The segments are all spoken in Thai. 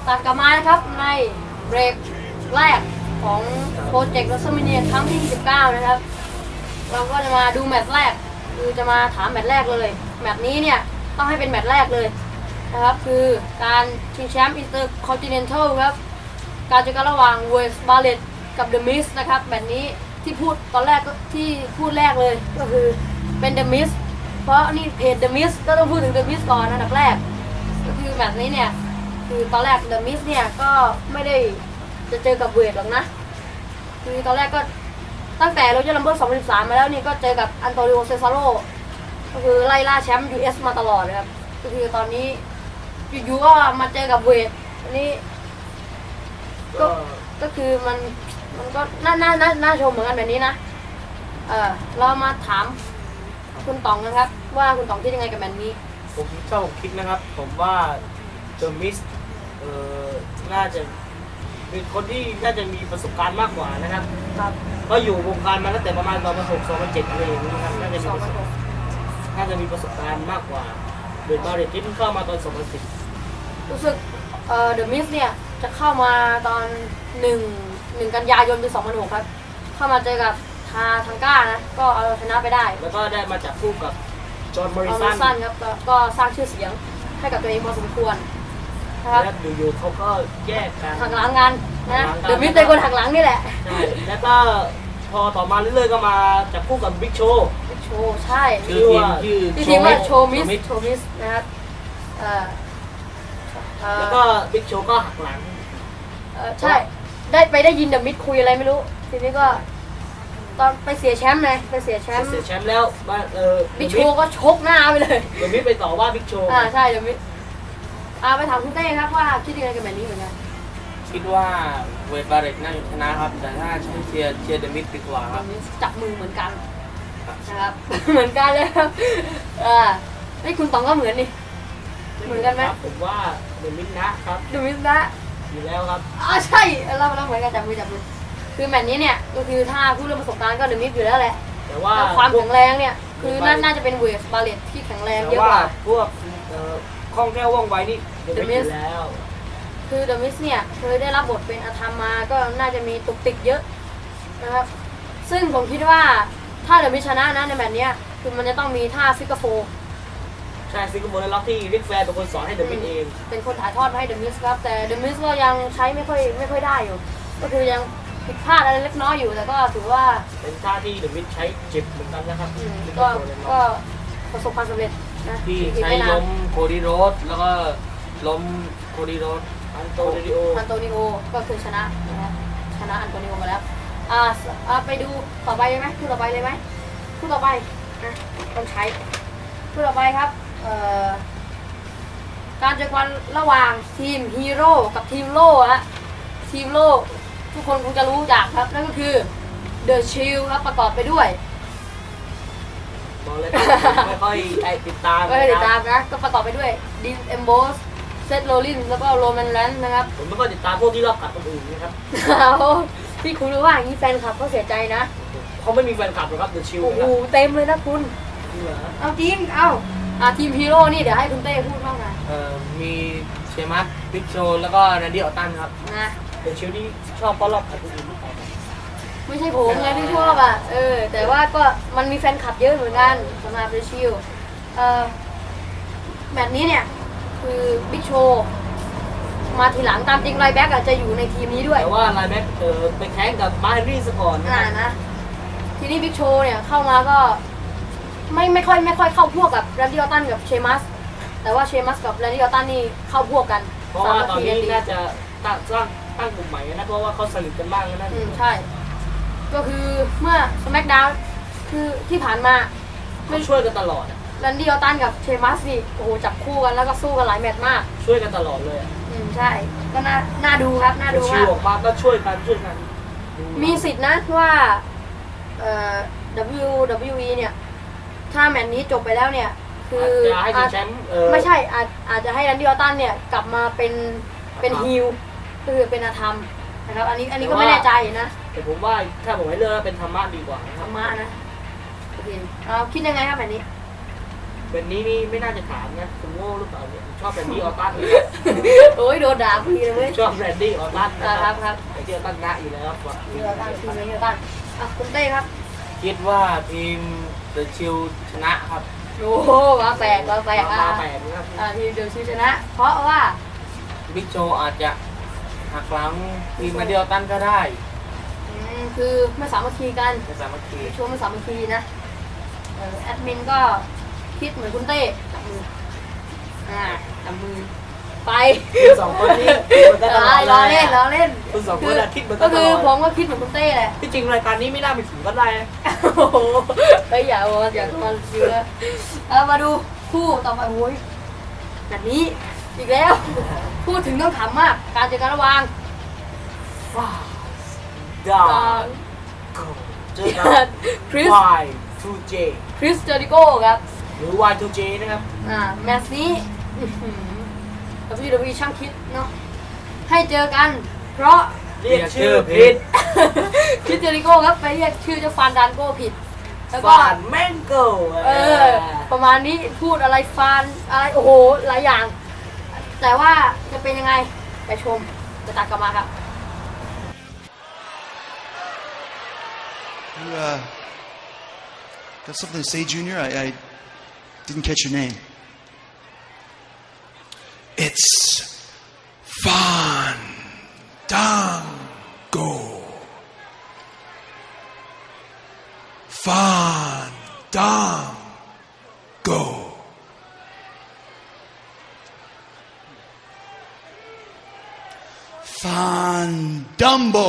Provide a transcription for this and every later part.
ตัดกลับมานะครับในเบรกแรกของโปรเจกต์รัสเมเนียครั้งที่29นะครับเราก็จะมาดูแมตช์แรกคือจะมาถามแมตช์แรกเลยแมตช์นี้เนี่ยต้องให้เป็นแมตช์แรกเลยนะครับคือการชิงแชมป์อินเตอร์คอนติเนนทัลครับการเจอกันระหว่างเวสบาเลตกับเดอะมิสนะครับแมตช์นี้ที่พูดตอนแรกที่พูดแรกเลยก็คือเป็นเดอะมิสเพราะนี่เพจเดอะมิสก็ต้องพูดถึงเดอะมิสก่อนอันดับแรกก็คือแมตช์นี้เนี่ยคือตอนแรกเดอะมิสเนี่ยก็ไม่ได้จะเจอกับเวทหรอกนะคือตอนแรกก็ตั้งแต่โรเจอร์ลัมเบิร์2013มาแล้วนี่ก็เจอกับอันโตนิโอเซซาโรก็คือไล่ล่าแชมป์ US มาตลอดนะครับก็คือตอนนี้อยู่ๆก็มาเจอกับเวทอันนี้ก็คือมันก็น่าชมเหมือนกันแบบนี้นะเรามาถามคุณต๋องนะครับว่าคุณต๋องคิดยังไงกับแบบนี้ผมคิดนะครับผมว่าเดอะมิสน่าจะเป็นคนที่น่าจะมีประสบการณ์มากกว่านะครับก็อยู่วงการมาตั้งแต่ประมาณ2006 2007อะไรอย่างนี้ครับน่าจะมีประสบการณ์มากกว่าเดอะบาเรตที่เพิ่งเข้ามาตอน2010 รู้สึกเดอะมิสเนี่ยจะเข้ามาตอน1 กันยายนปี2006ครับเข้ามาเจอกับทางก้านะก็เอาชนะไปได้แล้วก็ได้มาจับคู่กับจอห์นมอริสันครับก็สร้างชื่อเสียงให้กับตัวเองพอสมควรนะครับแล้วอยู่ๆเขาก็แยกกันหักหลังกันนะเดอะมิสเป็นคนหักหลังนี่แหละใช่แล้วก็พอต่อมาเรื่อยๆก็มาจับคู่กับบิ๊กโชว์ใช่ชื่อทีมว่าโชว์มิสนะครับแล้วก็บิ๊กโชว์ก็หักหลังใช่ได้ยินเดอะมิสคุยอะไรไม่รู้ทีนี้ก็ตอนไปเสียแชมป์ไงไปเสียแชมป์แล้วบิ๊กโชว์ก็ชกหน้าไปเลยเดอะมิสไปต่อว่าบิ๊กโชว์ใช่เดอะมิสไปถามคุณเต้ครับว่าคิดยังไงกับแบบนี้เหมือนกันคิดว่าเวทบาเรตน่าจะชนะครับแต่ถ้าใช้เชียร์เดอะมิสดีกว่าครับจับมือเหมือนกันนะครับเหมือนกันเลยครับให้คุณต๋องก็เหมือนนี่เหมือนกันไหมผมว่าเดอะมิสนะครับเดอะมิสนะอยู่แล้วครับใช่เราเหมือนกันจับมือคือแมตช์นี้เนี่ยก็คือถ้าพูดเรื่องประสบการณ์ก็เดอะมิสอยู่แล้วแหละแต่ว่าความแข็งแรงเนี่ยคือน่าจะเป็นเวสบาเลตที่แข็งแรงเยอะกว่าพวกคล่องแคล่วว่องไวนี่เดอะมิสแล้วคือเดอะมิสเนี่ยเคยได้รับบทเป็นอาธรรมมาก็น่าจะมีตุกติกเยอะนะครับซึ่งผมคิดว่าถ้าเดอะมิสชนะนะในแมตช์นี้คือมันจะต้องมีท่าฟิกเกอร์โฟใช่ฟิกเกอร์โฟและล็อกที่ริกแฟร์เป็นคนสอนให้เดอะมิสเองเป็นคนถ่ายทอดมาให้เดอะมิสครับแต่เดอะมิสก็ยังใช้ไม่ค่อยได้อยู่ก็คือยังผิดพลาดอะไรเล็กน้อยอยู่แต่ก็ถือว่าเป็นท่าที่เดอะมิสใช้เจ็บเหมือนกันนะครับก็ประสบความสำเร็จนะที่ใช้ล้มโคดีโรสแล้วก็ล้มโคดีโรสอันโตนิโอก็คือชนะอันโตนิโอมาแล้วไปดูต่อไปเลยไหมคู่ต่อไปเลยไหมคู่ต่อไปนะต้องใช้คู่ต่อไปครับการเจอกันระหว่างทีมฮีโร่กับทีมโล่ฮะทีมโล่ทุกคนคงจะรู้จักครับนั่นก็คือเดอะชิลครับประกอบไปด้วยบอกเลยไม่ค่อยติดตามนะก็ประกอบไปด้วยดินเอมโบสเซธโรลินแล้วก็โรแมนแลนด์นะครับผมไม่ค่อยติดตามพวกที่รอบกัดคนอื่นนะครับพี่คุณรู้ว่าอย่างนี้แฟนคลับเขาเสียใจนะเขาไม่มีแฟนคลับหรอกครับเดอะชิลโอ้โหเต็มเลยนะคุณเอาจริงทีมฮีโร่นี่เดี๋ยวให้คุณเต้พูดบ้างนะมีเชมัสบิ๊กโชแล้วก็แรนดี้ออตตันครับนะเดอะชิลที่ชอบเพราะรอบกัดคนอื่นไม่ใช่ผมไงที่ชอบแต่ว่าก็มันมีแฟนคลับเยอะเหมือนกันสำหรับเดอะชิลแบบนี้เนี่ยคือบิ๊กโชมาทีหลังตามจริงไลแบ็กอาจจะอยู่ในทีมนี้ด้วยแต่ว่าไลแบ็กไปแข่งกับมาร์เฮนรี่สก่อนนะทีนี้บิ๊กโชเนี่ยเข้ามาก็ไม่ค่อยเข้าพวกกับแรนดี้ออตตันกับเชมัสแต่ว่าเชมัสกับแรนดี้ออตตันนี่เข้าพวกกันเพราะว่าตอนนี้น่าจะตั้งกลุ่มใหม่นะเพราะว่าเขาสนิทกันมากแล้วนั่นใช่ก็คือเมื่อสแมกดาวน์คือที่ผ่านมาไม่ช่วยกันตลอดแรนดี้ออตตันกับเชมัสนี่โอ้โหจับคู่กันแล้วก็สู้กันหลายแมตช์มากช่วยกันตลอดเลยใช่ก็น่าดูครับน่าดูมากออกมาก็ช่วยกันมีสิทธินะว่าWWE เนี่ยถ้าแมตช์นี้จบไปแล้วเนี่ยคือไม่ใช่อาจจะให้แรนดี้ออตตันเนี่ยกลับมาเป็นฮิลคือเป็นอาธรรมนะครับอันนี้ก็ไม่แน่ใจนะแต่ผมว่าถ้าผมให้เลือกเป็นธรรมะดีกว่าธรรมะนะโอเคเราคิดยังไงครับแบบนี้แบบนี้นี่ไม่น่าจะถามนะผมโง่หรือเปล่าเนี่ยชอบแรนดี้ออตตันโอ้ยโดนด่าพี่เลยเว้ยชอบแรนดี้ออตตันนะครับครับไอ้ที่ออตตันนะอยู่แล้วครับเดี๋ยวตั้งทีมนี้เดี๋ยวตั้งอ่ะคุณเต้ครับคิดว่าทีมเดอะชิลชนะครับโอ้โหมาแปลกมาแปลกมาแปลกนะครับทีมเดลซีชนะ เพราะว่าบิ๊กโชว์อาจจะหักหลังทีมมาเดียวตันก็ได้คือไม่สามัคคีกันในสามัคคีช่วงไม่สามัคคีนะแอดมินก็คิดเหมือนคุณเต้จับมือจับมือไปคุณสองคนนี้คิดเหมือนกันตลอดล้อเลเล่ยนล้อเล่นคุณสองคนอะคิดเหมือนกัก็นตคืลออดผมก็คิดเหมือนคุณเต้แหละที่จริงรายการนี้ไม่น่าไปถึงก็ได้โอ้โหเฮ้ยอย่ามาเยอะมาดูคู่ต่อไปโอ้ยแบบนี้อีกแล้ว พูดถึงต้องขำมาก การเจอกันระหว่างว้าวดาเจอกันคริส Y2J คริสเจอริโก้ครับหรือ Y2J นะครับแมตช์นี้WWE ช่างคิดเนาะให้เจอกัน เพราะเรียกชื่อผิดคริสเจอริโก้ครับไปเรียกชื่อเจ้าฟานดานโก้ผิด แล้วก็ฟานแมงโก้ประมาณนี้พูดอะไรฟานอะไรโอ้โหหลายอย่าง แต่ว่าจะเป็นยังไงไปชมจะตัดกลับมาครับ You got something to say, Junior? I didn't catch your name. It's Fandango. Fandango. Fandumbo.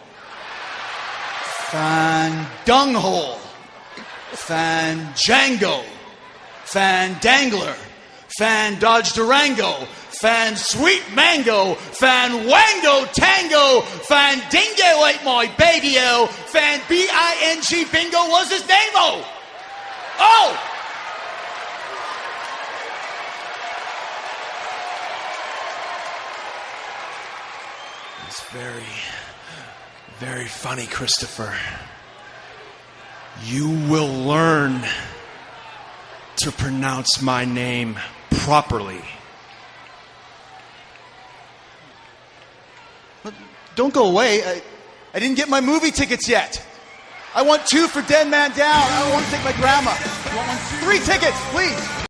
Fandunghole. Fanjango. Fandangler. Fan Dodge Durango. Fan Sweet Mango. Fan Wango Tango. Fan Dingo ate my baby-o. Fan B-I-N-G Bingo was his name-o. Oh! It's very, very funny, Christopher. You will learn to pronounce my name properly. Don't go away. I didn't get my movie tickets yet. I want 2 for Dead Man Down. I want to take my grandma. You want 3 tickets, please.